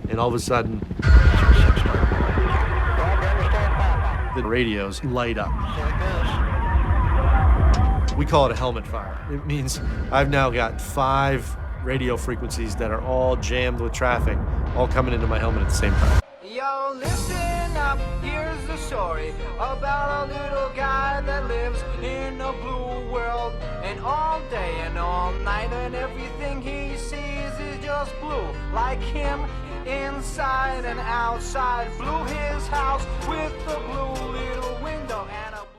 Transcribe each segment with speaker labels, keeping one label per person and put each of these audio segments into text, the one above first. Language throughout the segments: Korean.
Speaker 1: and all of a sudden, the radios light up. We call it a helmet fire. It means I've now got 5 radio frequencies that are all jammed with traffic, all coming into my helmet at the same time.
Speaker 2: Yo, listen up, here's the story about a little guy that lives in a blue world. And all day and all night, and everything he sees is just blue. Like him, inside and outside. Blew his house with a blue little window and a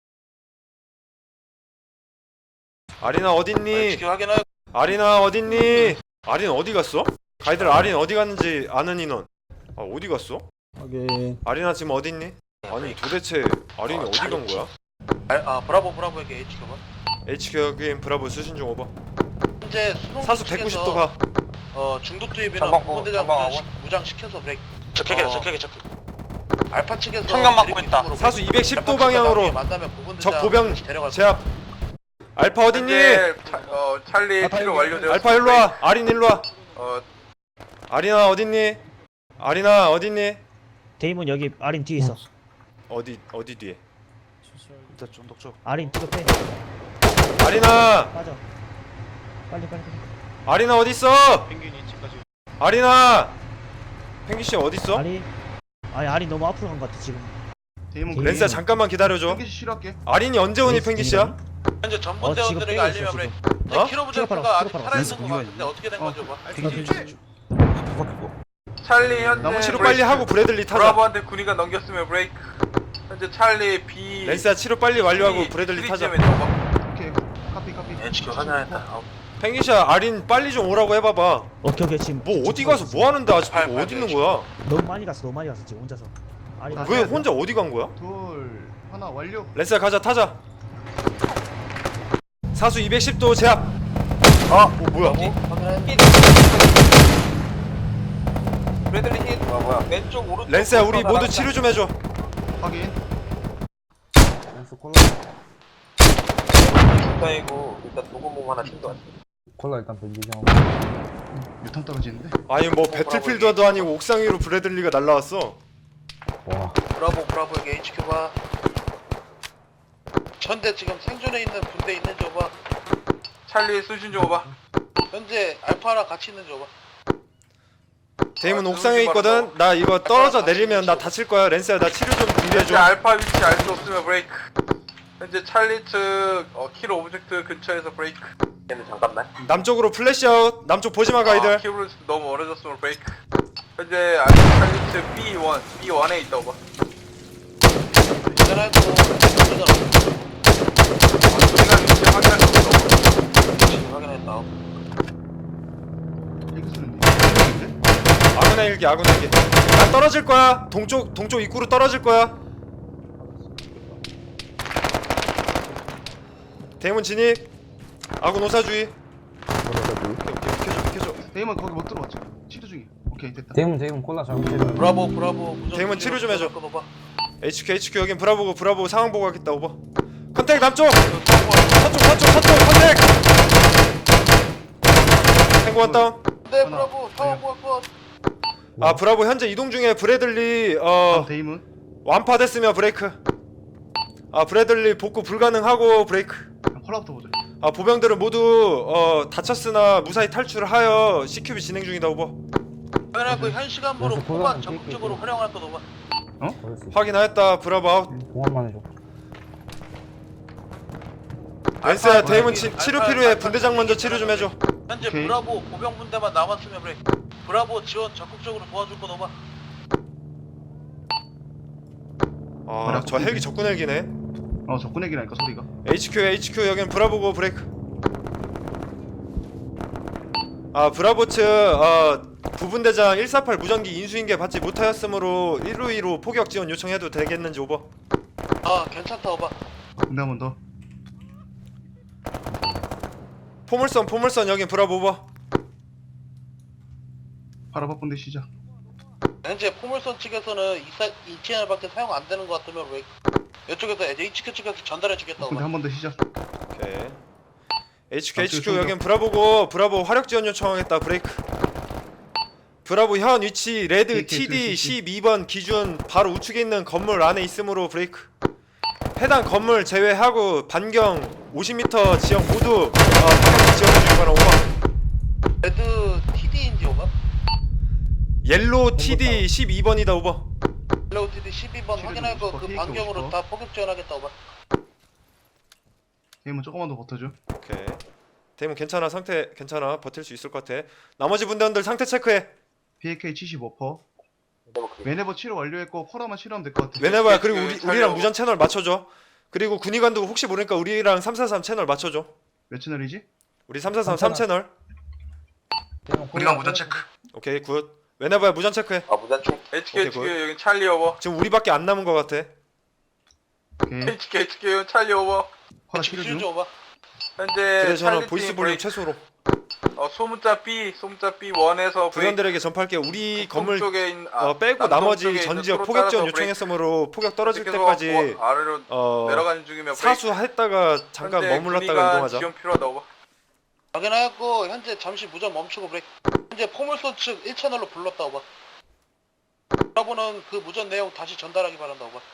Speaker 3: 아리나 어딨니?
Speaker 4: 지금 확인하여.
Speaker 3: 아리나 어딨니? 아린 어디 갔어? 가이들 아린 어디 갔는지 아는 인원. 아 어디 갔어?
Speaker 5: 오케이.
Speaker 3: 아리나 지금 어딨니? 아니 도대체 아린이 어디 간 거야?
Speaker 4: 브라보에게 HQ가
Speaker 3: HQ 여긴 브라보 수신 중 오버.
Speaker 4: 현재 수동
Speaker 3: 사수
Speaker 4: 측에서,
Speaker 3: 190도 가.
Speaker 4: 중독 투입이나
Speaker 6: 전방고,
Speaker 4: 부분대장
Speaker 6: 전방하고.
Speaker 4: 무장 시켜서 브레이크.
Speaker 6: 적격이다,
Speaker 4: 어.
Speaker 6: 적격.
Speaker 4: 알파 측에서
Speaker 6: 청강 받고
Speaker 4: 드리프
Speaker 6: 있다.
Speaker 4: 쪽으로
Speaker 3: 사수
Speaker 4: 브레이크.
Speaker 3: 210도
Speaker 4: 알파 측과
Speaker 3: 방향으로
Speaker 4: 나중에 만나면 부분대장
Speaker 3: 적 보병
Speaker 4: 데려갈
Speaker 3: 제압. 알파 어딨니?
Speaker 7: 찰리 치료 완료되었습니다.
Speaker 3: 알파 일로 와. 아린 일로 와.
Speaker 7: 어,
Speaker 3: 아리나 어딨니? 아리나 어딨니?
Speaker 5: 데이몬 여기 아린 뒤에 있어.
Speaker 3: 어디 뒤에?
Speaker 6: 일단 중독 쪽.
Speaker 5: 아린 뒤로 빼.
Speaker 3: 아리나!
Speaker 5: 빠져. 빨리.
Speaker 3: 아리나 어딨어?
Speaker 6: 펭귄이 집까지.
Speaker 3: 아리나! 펭귄 씨 어딨어?
Speaker 5: 아린 너무 앞으로 간 것 같아 지금.
Speaker 7: 데이몬
Speaker 3: 렌스야 잠깐만 기다려줘.
Speaker 7: 펭귄 씨 실할게.
Speaker 3: 아린이 언제 오니 펭귄 씨야?
Speaker 4: 현재
Speaker 5: 지금
Speaker 4: 전문대원들에게
Speaker 5: 빼고 있어
Speaker 4: 알리면
Speaker 5: 지금.
Speaker 4: 브레이크.
Speaker 3: 어?
Speaker 4: 키로부제프가 아직
Speaker 5: 키로
Speaker 4: 살아있는
Speaker 5: 팔아.
Speaker 4: 거 같은데 어떻게 된 거죠? 뭐?
Speaker 7: 찰리 현재
Speaker 3: 치료 빨리 하고 브래들리 타자.
Speaker 7: 브라보한테 군의가 넘겼으면 브레이크. 현재 찰리 B.
Speaker 3: 렌스야 치료 빨리 완료하고 브래들리 타자.
Speaker 7: 오케이. 카피.
Speaker 4: HQ 확인했다.
Speaker 3: 펭귄 씨야 아린 빨리 좀 오라고 해봐봐.
Speaker 5: 오케이 지금.
Speaker 3: 뭐 어디 가서 뭐 하는데 아직
Speaker 4: 팔,
Speaker 3: 어디 있는
Speaker 4: 팔,
Speaker 3: 거야?
Speaker 5: 너무 많이 갔어 지금 혼자서. 아린
Speaker 3: 왜 혼자 어디 간 거야?
Speaker 7: 둘. 하나 완료.
Speaker 3: 렌스야 가자 타자. 사수 210도 제압. 뭐야?
Speaker 4: 브래들리 힛. 뭐야? 왼쪽 오른쪽.
Speaker 3: 렌스야 우리 모두 치료 좀 해줘.
Speaker 7: 확인.
Speaker 5: 렌스 콜라.
Speaker 4: 중단이고 일단 도구몸 하나 신고.
Speaker 5: 콜라 일단 변기장.
Speaker 7: 유탄 떨어지는데.
Speaker 3: 아니 뭐 배틀필드도 아니고 옥상 위로 브래들리가 날라왔어.
Speaker 5: 와.
Speaker 4: 브라보에게 HQ가 현재 지금 생존해 있는 군대 있는지 오바.
Speaker 7: 찰리 수신 좀 오봐.
Speaker 4: 현재 알파랑 같이 있는지 오바.
Speaker 3: 데이몬 옥상에 있거든. 나 이거 떨어져 내리면 나 다칠 거야. 렌스야 나 치료 좀
Speaker 7: 현재
Speaker 3: 준비해줘.
Speaker 7: 알파 위치 알 수 없으면 브레이크. 현재 찰리 측 키로 오브젝트 근처에서 브레이크.
Speaker 4: 얘는 잠깐만.
Speaker 3: 남쪽으로 플래시아웃. 남쪽 보지마 가이들.
Speaker 7: 키로 너무 멀어졌으면 브레이크. 현재 알파 찰리 측 B1에 있다 오봐.
Speaker 4: 전화해도
Speaker 7: 우리가 위치 확인할 수 없어.
Speaker 4: 확인했다.
Speaker 3: 아군의 일기 아군의 일기. 나 떨어질 거야. 동쪽 입구로 떨어질 거야. 데이몬 진입. 아군 오사주의. 오케이 비켜줘.
Speaker 7: 데이먼 거기 못 들어왔죠. 치료 중이. 오케이 됐다.
Speaker 5: 데이몬 콜라 잘못해.
Speaker 4: 브라보.
Speaker 3: 데이몬 치료 좀 해줘.
Speaker 4: 끊어봐.
Speaker 3: HQ 여긴 브라보 상황 보고 하겠다 오버. 컨택 남쪽. 서쪽 컨택. 탱고 원 다운.
Speaker 4: 네, 브라보. 상황 컷.
Speaker 3: 아 브라보 현재 이동 중에 브래들리
Speaker 7: 데이먼.
Speaker 3: 완파됐으며 브레이크. 아 브래들리 복구 불가능하고 브레이크.
Speaker 7: 콜라부터 보자.
Speaker 3: 아 보병들은 모두 다쳤으나 무사히 탈출하여 CQB 진행 중이다 오버.
Speaker 4: 당연하고 현 시간으로 후반 적극적으로 활용할 것 오바.
Speaker 3: 확인하였다 브라보 아웃.
Speaker 5: 공항만 해줘.
Speaker 3: 렌스야 데이몬 치료 필요해. 분대장 먼저 치료 좀 해줘.
Speaker 4: 현재
Speaker 7: 오케이.
Speaker 4: 브라보 보병 분대만 남았으면 브레이크. 브라보 지원 적극적으로 도와줄 것 오바.
Speaker 3: 아 저 헬기 적군 헬기네.
Speaker 7: 적군 얘기라니까 소리가.
Speaker 3: HQ 여긴 브라보고 브레이크. 아 브라보 측 부분대장 148 무전기 인수인계 받지 못하였으므로 152로 포격 지원 요청해도 되겠는지 오버.
Speaker 4: 아 괜찮다 오바.
Speaker 7: 근데 한 번 더.
Speaker 3: 포물선 여긴 브라보 오버.
Speaker 7: 바라바쁜데 시작.
Speaker 4: 현재 포물선 측에서는 2채널밖에 사용 안 되는 것 같으면 브레이크. 이쪽에서 HQ 측에서 전달해 주겠다
Speaker 7: 근데
Speaker 4: 오바.
Speaker 7: 한 번 더 시작.
Speaker 3: 오케이. HQ 여긴 브라보고 브라보 화력 지원 요청하겠다 브레이크. 브라보 현 위치 레드
Speaker 6: TD
Speaker 3: TD 12번 기준 바로 우측에 있는 건물 안에 있으므로 브레이크. 해당 건물 제외하고 반경 50m 지역 모두 방향 지역해주기 바람. 오버.
Speaker 4: 레드 TD인지 오버?
Speaker 3: 옐로우 TD 12번이다. 오버.
Speaker 4: 옐로우 TD 12번 확인하고 그 반경으로 다 포격 지원하겠다 오버.
Speaker 6: 게임은 조금만 더 버텨줘.
Speaker 3: 오케이. 대문 괜찮아. 상태 괜찮아. 버틸 수 있을 것 같아. 나머지 분들들 상태 체크해.
Speaker 6: BAK 75%. 웨네버 치료 완료했고 콜라만 치료하면 될 것 같아.
Speaker 3: 왜냐면 그리고 우리랑 무전 채널 맞춰줘. 그리고 군의관도 혹시 모르니까 우리랑 343 채널 맞춰줘.
Speaker 6: 몇 채널이지?
Speaker 3: 우리 343 3채널.
Speaker 5: 우리가 무전 체크.
Speaker 3: 오케이 굿. 왜냐면 무전 체크해.
Speaker 4: 아 무단 총.
Speaker 7: HK
Speaker 3: 오케이,
Speaker 7: HK 여긴 찰리 오버.
Speaker 3: 지금 우리밖에 안 남은 것 같아.
Speaker 6: 오케이.
Speaker 7: HK 여긴 찰리 오버.
Speaker 6: 콜라 치료 중.
Speaker 4: 슈즈 오버.
Speaker 7: 현재
Speaker 3: 그래서 저는
Speaker 7: 찰리
Speaker 3: 보이스
Speaker 7: 팀
Speaker 3: 볼륨
Speaker 7: 브레이크.
Speaker 3: 최소로.
Speaker 7: 소문자 B1에서
Speaker 3: 부연들에게 전파할게. 우리 건물
Speaker 7: 쪽에 있는
Speaker 3: 빼고 나머지 전 지역 포격 지원 요청했으므로 포격 떨어질 때까지
Speaker 7: 아래로 내려가는 중이면
Speaker 3: 사수했다가 잠깐 머물렀다가 이동하자.
Speaker 7: 지원 필요하다 오버.
Speaker 4: 확인하였고 현재 잠시 무전 멈추고 브레이크. 현재 포물선 측 1채널로 불렀다 오버. 브라보는 그 무전 내용 다시 전달하기 바란다 오버.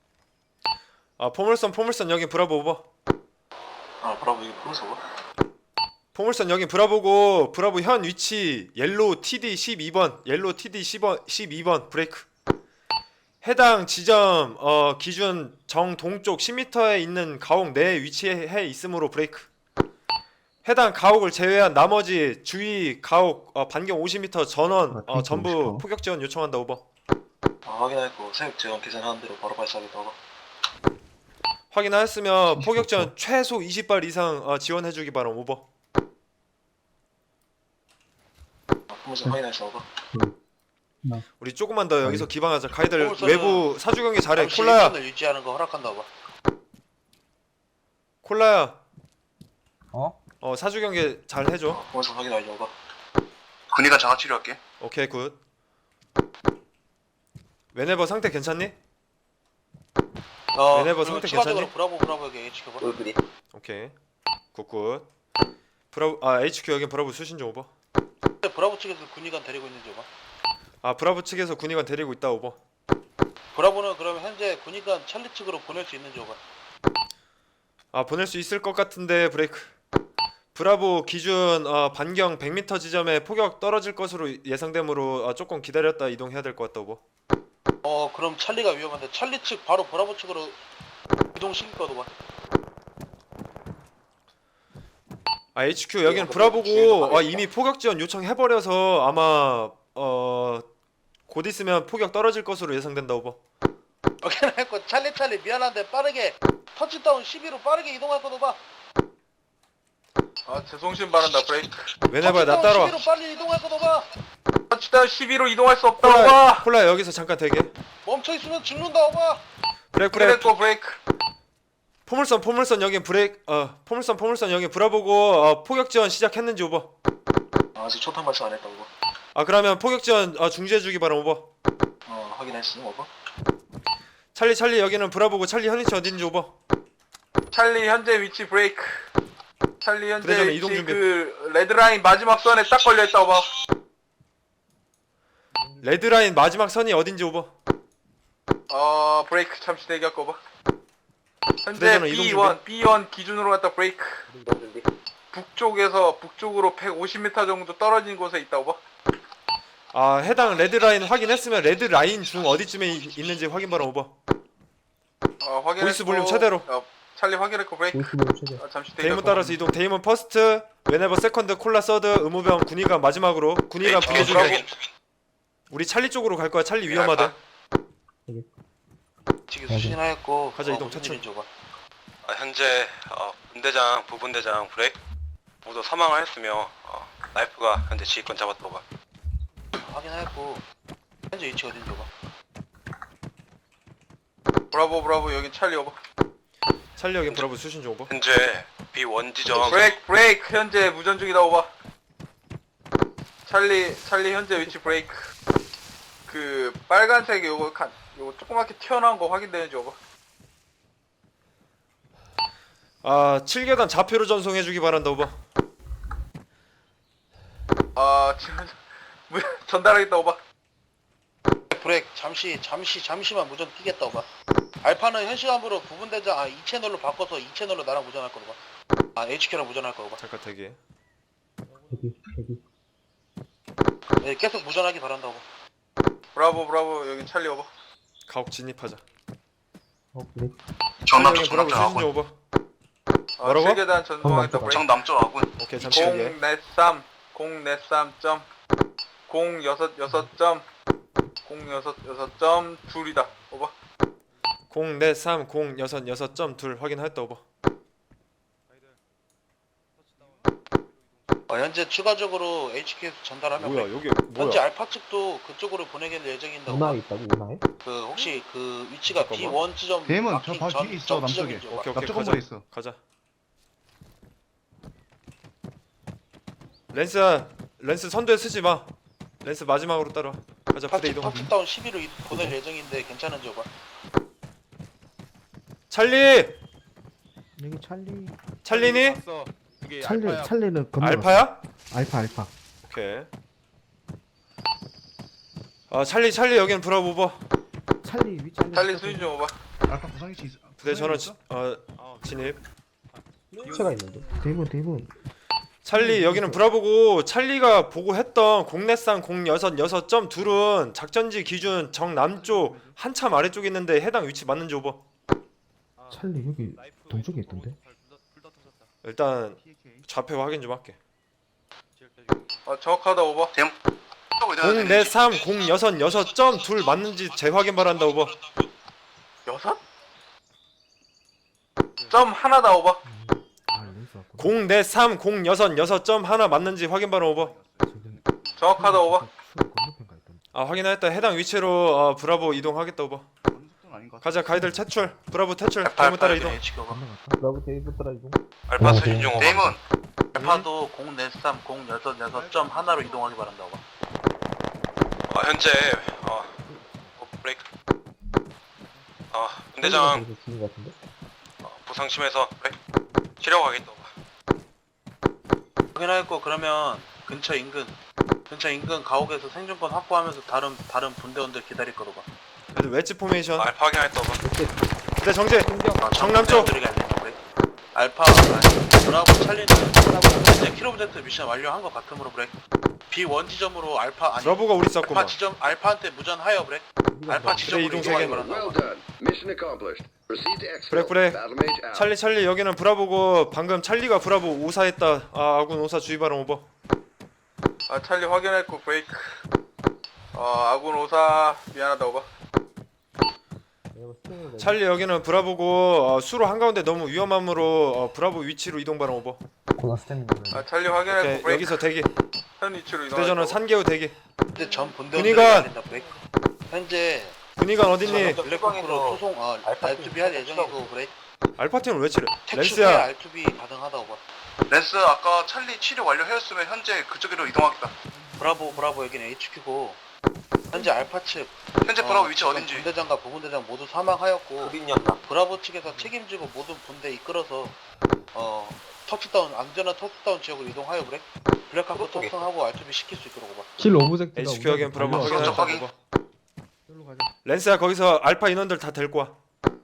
Speaker 3: 포물선 여기 브라보 오버.
Speaker 4: 브라보 이게 포물선 오버.
Speaker 3: 포물선 여기 브라보고 브라보 현 위치 옐로우 TD 12번 옐로우 TD 12번 브레이크. 해당 지점 기준 정동쪽 10m에 있는 가옥 내에 위치해 있으므로 브레이크. 해당 가옥을 제외한 나머지 주위 가옥 반경 50m 전원 전부 포격 지원 요청한다. 오버.
Speaker 4: 확인하였고 사격 지원 계산하는 대로 바로 발사하겠다 오버.
Speaker 3: 확인하였으면 포격 지원 최소 20발 이상 지원해주기 바람. 오버.
Speaker 4: 포물선 확인하였어 오버.
Speaker 3: 우리 조금만 더 여기서 기방하자. 가이들
Speaker 4: 포물선은
Speaker 3: 외부 사주 경계 잘해.
Speaker 4: 잠시
Speaker 3: 콜라야.
Speaker 4: 1채널 유지하는 거 허락한다 오버.
Speaker 3: 콜라야.
Speaker 5: 어?
Speaker 3: 사주 경계 잘 해줘.
Speaker 4: 포물선 확인하였어 오버.
Speaker 7: 군의관 장화 치료할게.
Speaker 3: 오케이 굿. 웨네버 상태 괜찮니? 웨네버 상태
Speaker 4: 추가적으로
Speaker 3: 괜찮니?
Speaker 4: 브라보에게 HQ 오버.
Speaker 3: 오케이 굿굿. 브라보 HQ 여긴 브라보 수신 좀 오버.
Speaker 4: 현재 브라보 측에서 군의관 데리고 있는지 오버.
Speaker 3: 브라보 측에서 군의관 데리고 있다. 오버.
Speaker 4: 브라보는 그럼 현재 군의관 찰리 측으로 보낼 수 있는지 오버.
Speaker 3: 보낼 수 있을 것 같은데 브레이크. 브라보 기준 반경 100m 지점에 포격 떨어질 것으로 예상되므로 조금 기다렸다 이동해야 될 것 같다. 오버.
Speaker 4: 그럼 찰리가 위험한데 찰리 측 바로 브라보 측으로 이동시킬 거다 오버.
Speaker 3: HQ 여기는 브라보고 이미 포격 지원 요청해버려서 아마 곧 있으면 포격 떨어질 것으로 예상된다. 오버.
Speaker 4: 오케이 했고 찰리 미안한데 빠르게 터치다운 12로 빠르게 이동할 거다 오버.
Speaker 7: 제송신 바란다 브레이크.
Speaker 3: 왜냐면 나 따라와.
Speaker 4: 12로 빨리 이동할 거다 오버.
Speaker 7: 터치다운 12로 이동할 수 없다 오버.
Speaker 3: 콜라 여기서 잠깐 대기.
Speaker 4: 멈춰있으면 죽는다 오버.
Speaker 3: 브레이크.
Speaker 7: 그랬고 브레이크.
Speaker 3: 포물선 여기 브레이크. 포물선 여기 브라보고 포격 지원 시작했는지. 오버.
Speaker 4: 아직 초탄 발사 안 했다 오버.
Speaker 3: 그러면 포격 지원 중지해주기 바람. 오버.
Speaker 4: 확인했어 오버.
Speaker 3: 찰리 여기는 브라보고 찰리 현 위치 어딘지. 오버.
Speaker 7: 찰리 현재 위치 브레이크. 찰리 현재
Speaker 3: 그래서
Speaker 7: 위치
Speaker 3: 이동 준비.
Speaker 7: 그 레드라인 마지막 선에 딱 걸려있다 오버.
Speaker 3: 레드라인 마지막 선이 어딘지. 오버.
Speaker 7: 브레이크 잠시 대기할거 오버. 현재
Speaker 3: 그래서는 이동
Speaker 7: B1 기준으로 갔다 브레이크. 북쪽으로 150m 정도 떨어진 곳에 있다 오버.
Speaker 3: 해당 레드라인 확인했으면 레드라인 중 어디쯤에 있는지 확인 바람. 오버.
Speaker 7: 확인했고.
Speaker 3: 보이스 볼륨 최대로.
Speaker 7: 찰리 확인했고 브레이크. 잠시
Speaker 3: 데이먼
Speaker 7: 대기할거
Speaker 3: 따라서 이동. 데이먼 퍼스트, 웨네버 세컨드, 콜라 서드, 의무병, 군의관 마지막으로. 군의관 분리 중에. 우리 찰리 쪽으로 갈 거야. 찰리 위험하대.
Speaker 4: 지금 수신하였고
Speaker 3: 가자, 이동
Speaker 4: 무슨
Speaker 3: 차차.
Speaker 4: 일인지 오버.
Speaker 8: 현재 분대장, 부분대장 브레이크 모두 사망을 했으며 나이프가 현재 지휘권 잡았다. 오버.
Speaker 4: 확인하였고 현재 위치 어딘지 오버.
Speaker 7: 브라보 여긴 찰리 오버.
Speaker 3: 찰리 여기 브라보 수신 중. 오버.
Speaker 8: 현재 B1 지점
Speaker 7: 브레이크 현재 무전 중이다 오버. 찰리 현재 위치 브레이크. 그 빨간색 요거 조그맣게 튀어나온 거 확인되는지 오버.
Speaker 3: 7계단 좌표로 전송해주기 바란다. 오버.
Speaker 7: 지금 전달하겠다 오바.
Speaker 4: 브레이크 잠시만 무전 뛰겠다 오바. 알파는 현 시간으로 부분대장 2채널로 바꿔서 2채널로 나랑 무전할 거로 봐. HQ랑 무전할 거로 봐.
Speaker 3: 잠깐 대기.
Speaker 4: 네, 계속 무전하기 바란다 오바.
Speaker 7: 브라보 여기 찰리 오바.
Speaker 3: 가옥 진입하자.
Speaker 8: 정남쪽
Speaker 3: 브라보
Speaker 8: 정남쪽
Speaker 3: 수신
Speaker 8: 아군.
Speaker 3: 좀 오버. 뭐라고?
Speaker 7: 7계단 전송하겠다 브레이크.
Speaker 8: 정남쪽 아군.
Speaker 3: 오케이 잠시 여기.
Speaker 7: 043 043점 066점 066점 둘이다 오바.
Speaker 3: 043066.2 확인하였다 오버.
Speaker 4: 현재 추가적으로 HQ에서 전달하면
Speaker 3: 뭐야
Speaker 4: 브레이크.
Speaker 3: 여기 뭐야?
Speaker 4: 현재 알파 측도 그쪽으로 보내길 예정인데 오바.
Speaker 5: 있다고 운하에?
Speaker 4: 그 혹시 그 위치가
Speaker 3: 잠깐만.
Speaker 4: B1 지점
Speaker 6: 대문 저
Speaker 4: 마킹
Speaker 6: 바로
Speaker 4: 전-
Speaker 6: 뒤에 있어
Speaker 4: 전
Speaker 6: 남쪽에.
Speaker 4: 지점이죠, 오바.
Speaker 3: 오케이
Speaker 6: 남쪽
Speaker 3: 가자.
Speaker 6: 건물에 있어.
Speaker 3: 가자. 렌스 선두에 쓰지 마. 렌스 마지막으로 따라와. 가자 부대 이동.
Speaker 4: 파트다운 12로 보낼 예정인데 괜찮은지 오바.
Speaker 3: 찰리.
Speaker 5: 여기 찰리.
Speaker 3: 찰리니?
Speaker 5: 찰리는 건너.
Speaker 3: 알파야?
Speaker 5: 알파.
Speaker 3: 오케이. 찰리 여기는 브라보 오버.
Speaker 5: 찰리 위
Speaker 7: 찰리 수신 좀 오바.
Speaker 6: 알파 구성위치 있어.
Speaker 3: 부대 전원
Speaker 6: 있어?
Speaker 3: 진입.
Speaker 5: 체가 있는데. 대문.
Speaker 3: 찰리 여기는 브라보고 찰리가 보고했던 04306.2은 작전지 기준 정남쪽 한참 아래쪽에 있는데 해당 위치 맞는지 오버.
Speaker 5: 찰리 여기 동쪽에 있던데.
Speaker 3: 일단 좌표 확인 좀 할게.
Speaker 7: 정확하다 오바.
Speaker 3: 04306.2 맞는지 재확인 바란다 오버.
Speaker 7: 여섯? 점 하나다 오바.
Speaker 5: 렌스 왔구나.
Speaker 3: 04306.1 맞는지 확인 바람 오버.
Speaker 7: 정확하다 오바.
Speaker 5: 건너편가 있던데.
Speaker 3: 확인하였다. 해당 위치로 브라보 이동하겠다 오버.
Speaker 6: 어느 속도는 아닌 것 같아.
Speaker 3: 가자 가이들 퇴출. 브라보 퇴출. 대문 따라 이동.
Speaker 4: HQ 오바.
Speaker 5: 건너갔다. 브라보 테이블 따라 이동.
Speaker 8: 알파 수신 중 오바.
Speaker 4: 알파도 043 066.1로 이동하기 바란다 오바.
Speaker 8: 현재 브레이크. 분대장
Speaker 5: 죽은 것 같은데.
Speaker 8: 부상 심해서 브레이크. 치료하겠다 오바.
Speaker 4: 확인하였고 그러면 근처 인근 가옥에서 생존권 확보하면서 다른 분대원들 기다릴 거로 봐.
Speaker 3: 그래도 웨지 포메이션.
Speaker 8: 알파 확인했다 오바.
Speaker 3: 부대 정제. 정남쪽.
Speaker 4: 알파 브라보 찰리는 현재 킬로브제트 미션 완료한 것 같으므로 브레이크. B1 지점으로 알파 아니
Speaker 3: 브라보가 우리
Speaker 4: 알파
Speaker 3: 쐈구만.
Speaker 4: 지점 알파한테 무전하여 브레이크. 알파 지점으로
Speaker 3: 이동
Speaker 4: 이동하기
Speaker 3: 세계.
Speaker 4: 바란다.
Speaker 3: 브레이크. 찰리 여기는 브라보고 방금 찰리가 브라보 오사했다. 아군 오사 주의 바람 오버.
Speaker 7: 찰리 확인했고 브레이크. 아군 오사 미안하다 오바.
Speaker 3: 찰리 여기는 브라보고 수로 한가운데 너무 위험함으로 브라보 위치로 이동 바람 오버.
Speaker 5: 고나 스탠딩.
Speaker 7: 찰리 확인했고
Speaker 3: 오케이,
Speaker 7: 브레이크.
Speaker 3: 여기서 대기.
Speaker 7: 현 위치로
Speaker 3: 부대 전원
Speaker 7: 이동하겠다.
Speaker 3: 산개우 대기.
Speaker 4: 현재 전 분대원들이
Speaker 3: 군의관!
Speaker 4: 기다린다 브레이크. 현재
Speaker 3: 군의관 어딨니?
Speaker 4: 블랙호크로 소송 R2B 할 예정이고 브레이크.
Speaker 3: 알파팀을 왜 치래?
Speaker 4: 택시 후에
Speaker 3: 렌스야.
Speaker 4: R2B 가능하다 오바.
Speaker 8: 렌스 아까 찰리 치료 완료하였으면 현재 그쪽으로 이동하겠다.
Speaker 4: 브라보 여기는 HQ고 현재 알파 측
Speaker 8: 현재 브라보 위치
Speaker 4: 지금
Speaker 8: 어딘지.
Speaker 4: 분대장과 부분대장 모두 사망하였고 브라보 측에서 책임지고 모든 분대 이끌어서 안전한 터치다운 지역으로 이동하여 브레이크. 블랙하고 탑승하고 R2B 시킬 수 있도록 오바.
Speaker 5: 킬 오브젝트가.
Speaker 3: HQ 여기는 브라보
Speaker 8: 확인.
Speaker 3: 확인했다
Speaker 8: 확인.
Speaker 3: 오버.
Speaker 5: 여기로 가자.
Speaker 3: 렌스야 거기서 알파 인원들 다 데리고 와.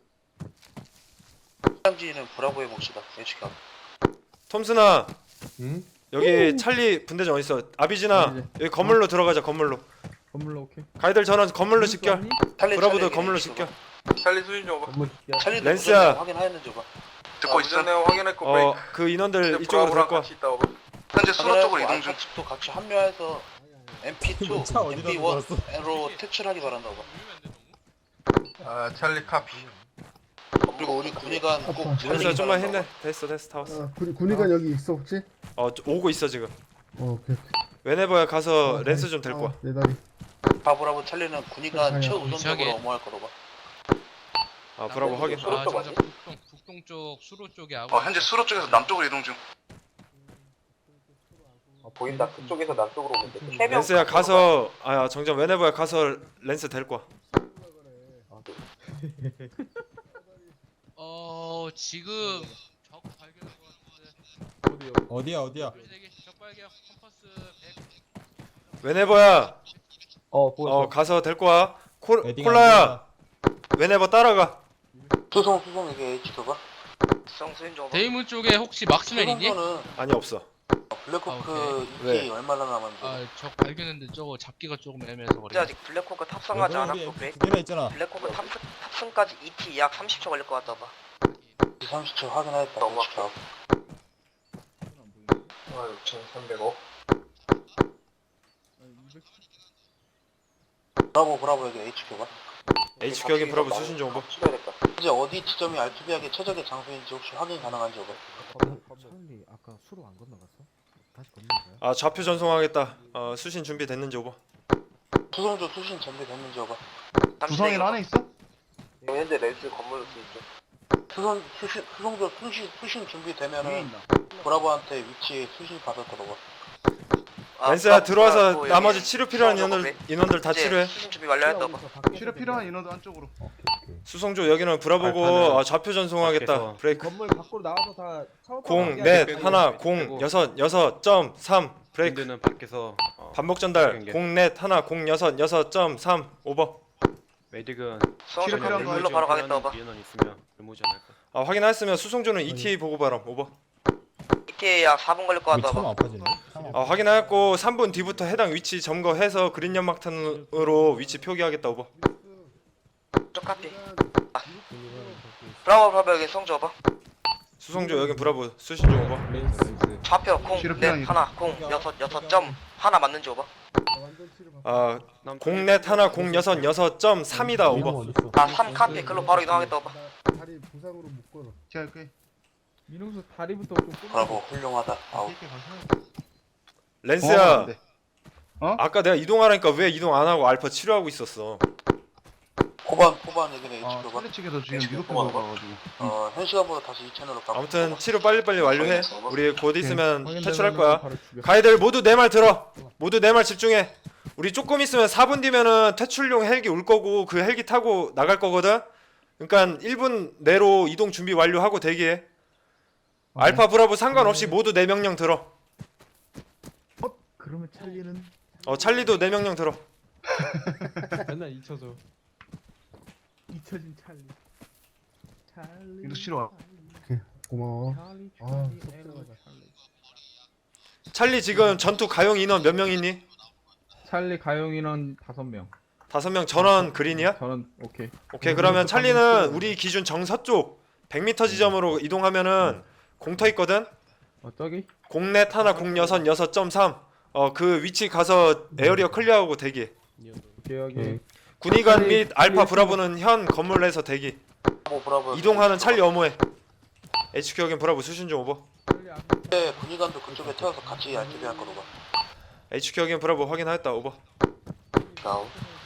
Speaker 4: 현장지는 브라보의 몫이다. HQ.
Speaker 3: 톰슨아
Speaker 5: 응?
Speaker 3: 여기 찰리 분대장 어딨어? 아비진아
Speaker 5: 네.
Speaker 3: 여기 건물로 들어가자. 건물로.
Speaker 5: 건물로 오케이.
Speaker 3: 가이들 전원 건물로 집결. 브라보도 건물로 집결.
Speaker 7: 찰리 수신 좀 오바.
Speaker 5: 건물 집결.
Speaker 4: 찰리도
Speaker 3: 렌스야.
Speaker 4: 무전 확인하였는지 오바.
Speaker 8: 듣고 있어.
Speaker 7: 무전 내용 확인했고 브레이크.
Speaker 3: 그 인원들
Speaker 7: 현재
Speaker 3: 이쪽으로
Speaker 7: 브라보랑
Speaker 3: 데리고 와.
Speaker 7: 같이 있다 오바.
Speaker 8: 현재 수로 쪽으로 이동 중.
Speaker 4: 알파 측도 같이 합류해서 MP2, MP1으로 퇴출하기 바란다 오바.
Speaker 7: 찰리 카피.
Speaker 4: 그리고 우리 군의관 꼭
Speaker 3: 렌스야
Speaker 4: 살리기
Speaker 3: 좀만
Speaker 4: 바란다,
Speaker 3: 힘내. 됐어 다 왔어.
Speaker 5: 군의관 여기 있어 혹시?
Speaker 3: 오고 있어 지금.
Speaker 5: 오케이.
Speaker 3: 웨네버야 가서 렌스 좀 데리고 와.
Speaker 5: 내 다리.
Speaker 4: 오바. 브라보 찰리는 군의관
Speaker 5: 아니야.
Speaker 4: 최우선적으로 엄호할 거로 봐.
Speaker 3: 브라보 확인.
Speaker 9: 북동 쪽 수로 쪽에
Speaker 8: 현재 수로 쪽에서 남쪽으로 이동 중.
Speaker 4: 보인다. 그쪽에서 남쪽으로 오면 돼.
Speaker 3: 렌스야 가서 정정 웨네버야 가서 렌스 데리고 와.
Speaker 9: 지금 적 발견한 것 같은데.
Speaker 5: 어디야?
Speaker 9: 적 발견 컴퍼스 100.
Speaker 3: 웨네버야.
Speaker 5: 보였어.
Speaker 3: 가서 데리고 와. 콜라야. 웨네버 따라가.
Speaker 4: 수송 이게 H표가?
Speaker 2: 성수인 좀
Speaker 9: 데이문 쪽에 혹시 막스맨 있니?
Speaker 4: 수송조는
Speaker 3: 아니 없어.
Speaker 4: 블랙호크
Speaker 3: 왜?
Speaker 4: ETA 얼마나 남았는지.
Speaker 9: 아적 발견했는데 저거 잡기가 조금 애매해서 그래.
Speaker 2: 아직 블랙호크 탑승하지 않았어 브레이크. 블랙호크 탑승까지 ET 약 30초 걸릴 것 같다 봐.
Speaker 4: 30초 확인하였다.
Speaker 2: 너무
Speaker 4: H표.
Speaker 7: 6,300억.
Speaker 4: 브라보 여기 H표가?
Speaker 3: HQ 여긴 브라보 수신 좀 오버.
Speaker 4: 이제 어디 지점이 R2B하게 최적의 장소인지 혹시 확인 가능한지 오버.
Speaker 5: 찰리 아까 수로 안 건너갔어? 다시 건너가요?
Speaker 3: 아 좌표 전송하겠다. 수신 준비 됐는지 오버.
Speaker 4: 수송조 수신 준비됐는지 오버.
Speaker 6: 구성인 안에 있어?
Speaker 7: 현재 렌스 건물 있죠.
Speaker 4: 수송조 수신
Speaker 6: 위에
Speaker 4: 준비되면은
Speaker 6: 있나?
Speaker 4: 브라보한테 위치 수신 받을 거라고.
Speaker 3: 렌스야 들어와서 나머지 치료 필요한 인원들 다 치료해.
Speaker 2: 수신 준비 완료했다 봐.
Speaker 6: 치료 필요한 인원도 안쪽으로.
Speaker 3: 수송조 여기는 브라보고 좌표 전송하겠다. 브레이크.
Speaker 5: 건물 밖으로 나와서 다
Speaker 3: 공, 넷, 하나, 공, 여섯, 6.3 브레이크.
Speaker 8: 밖에서
Speaker 3: 반복 전달. 공, 넷, 하나, 공, 6.3 오버.
Speaker 8: 메딕은
Speaker 2: 수성조
Speaker 6: 필요한 거
Speaker 2: 물로 바로 가겠다 봐.
Speaker 8: 인원 있으면 불모지 않을까?
Speaker 3: 확인하였으면 수송조는 ETA 보고 바람 오버.
Speaker 2: ETA 약 4분 걸릴 것 같다 봐.
Speaker 3: 확인하였고 3분 뒤부터 해당 위치 점거해서 그린 연막탄으로 위치 표기하겠다 오버.
Speaker 2: 쪽 카피. 브라보 여기 성조 봐.
Speaker 3: 수송조 여긴 브라보 수신 중 오버.
Speaker 2: 좌표 공,
Speaker 6: 치료
Speaker 2: 넷,
Speaker 6: 필요한
Speaker 2: 하나, 공, 6점 하나 맞는지 오버.
Speaker 3: 공, 넷, 하나, 공, 6.3이다 오버.
Speaker 2: 3 카피 글로 바로 이동하겠다 오버.
Speaker 5: 다리 부상으로 묶어놔.
Speaker 6: 제가 할게.
Speaker 5: 민홍수 다리부터 좀
Speaker 4: 브라보 훌륭하다. 아우.
Speaker 6: 이렇게 가서.
Speaker 3: 렌스야
Speaker 6: 네.
Speaker 3: 아까 내가 이동하라니까 왜 이동 안 하고 알파 치료하고 있었어?
Speaker 4: 포반 여기는 H표가.
Speaker 6: 찰리 측에서 지금 미도표 가가지고.
Speaker 4: 현 시간보다 다시 이 채널로 가.
Speaker 3: 아무튼 치료 빨리빨리 완료해. 우리 곧 있으면
Speaker 5: 확인되면은
Speaker 3: 퇴출할 거야.
Speaker 5: 바로 죽여.
Speaker 3: 가이들 모두 내 말 들어. 모두 내 말 집중해. 우리 조금 있으면 4분 뒤면은 퇴출용 헬기 올 거고 그 헬기 타고 나갈 거거든. 그러니까 1분 내로 이동 준비 완료하고 대기해. 알파 브라보 상관없이 모두 내 명령 들어.
Speaker 5: 그러면 찰리는
Speaker 3: 찰리도 내 명령 들어.
Speaker 5: 맨날 잊혀져. 잊혀진 찰리.
Speaker 6: 미도 치료 와.
Speaker 5: 고마워.
Speaker 3: 찰리 지금 전투 가용 인원 몇 명 있니?
Speaker 5: 찰리 가용 인원 5명.
Speaker 3: 5명 전원 그린이야?
Speaker 5: 저는 오케이.
Speaker 3: 오케이 그러면 찰리는 우리 기준 정서쪽 100m 지점으로 이동하면은 공터 있거든?
Speaker 5: 저기?
Speaker 3: 공넷 하나 공여선 6.3 그 위치 가서 에어리어 클리어하고 대기.
Speaker 5: 오케이 여기.
Speaker 3: 군의관 및 알파 브라보는 현 건물 내에서 대기.
Speaker 4: 브라보.
Speaker 3: 이동하는 찰리 어모해. HQ 여긴 브라보 수신 중 오버.
Speaker 4: 네, 군의관도 그쪽에 태워서 같이 R2B 할 거라고.
Speaker 3: HQ 여긴 브라보 확인하였다 오버.
Speaker 4: 아우.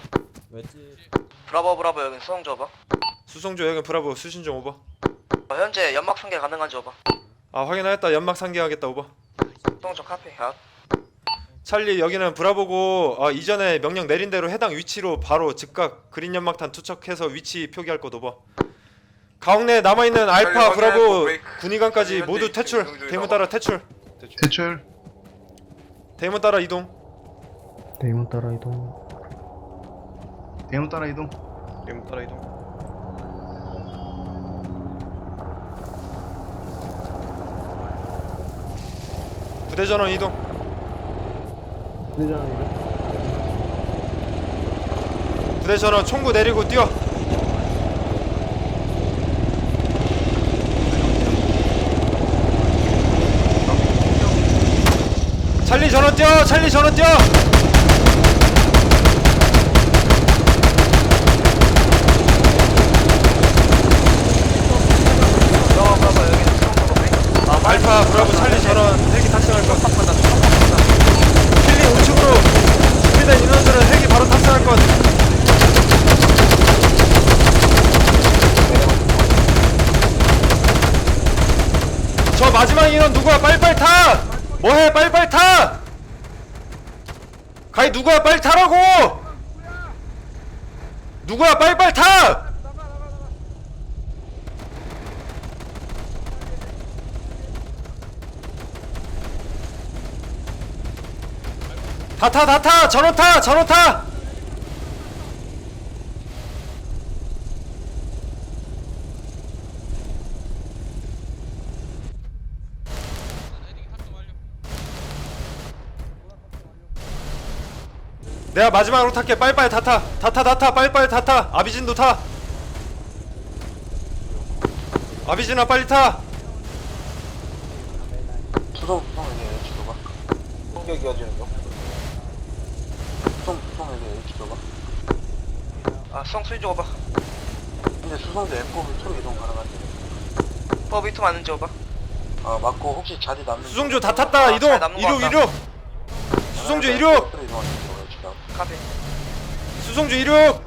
Speaker 2: 브라보 여기 수성조 봐.
Speaker 3: 수송조 여긴 브라보 수신 중 오버.
Speaker 2: 현재 연막 상계 가능한지 오버.
Speaker 3: 확인하였다 연막 상기하겠다 오버.
Speaker 2: 수성조 카피. 아,
Speaker 3: 찰리 여기는 브라보고 이전에 명령 내린 대로 해당 위치로 바로 즉각 그린 연막탄 투척해서 위치 표기할 것 오버. 가옥내 남아있는 알파 브라보 군의관까지 모두 퇴출. 대문 따라 퇴출.
Speaker 6: 대출.
Speaker 3: 대문 따라 이동.
Speaker 5: 대문 따라 이동.
Speaker 6: 대문 따라 이동.
Speaker 3: 대문 따라 이동. 부대 전원 이동. 부대 전원 총구 내리고 뛰어. 찰리 전원 뛰어. 찰리 전원 뛰어. 알파 브라보 찰리 전원 헬기 탑승할 것. 킬리 우측으로 준비된 인원들은 헬기 바로 탑승할 것. 저 마지막 인원 누구야? 빨리빨리 타! 뭐해? 빨리빨리 타! 가이 누구야? 빨리 타라고! 누구야? 빨리빨리 타! 다 타! 전원 타! 내가 마지막으로 탈게. 빨리빨리 다 타. 빨리빨리 다 타. 아비진도 타. 아비진아 빨리 타.
Speaker 4: 수송에게 H도가 공격 이어지는 중. 수송에게 H도가.
Speaker 2: 아, 수송 수위 줘봐.
Speaker 4: 근데 수송대 F 밑으로 이동 가능한데.
Speaker 2: 버비트 맞는 줘봐.
Speaker 4: 맞고 혹시 자리 남는.
Speaker 3: 수송조 다 탔다. 이동.
Speaker 2: 잘 남는 것 같다.
Speaker 3: 이륙. 수송조 이륙.
Speaker 4: F로 이동하는 중.
Speaker 2: 카페.
Speaker 3: 수송조 이륙.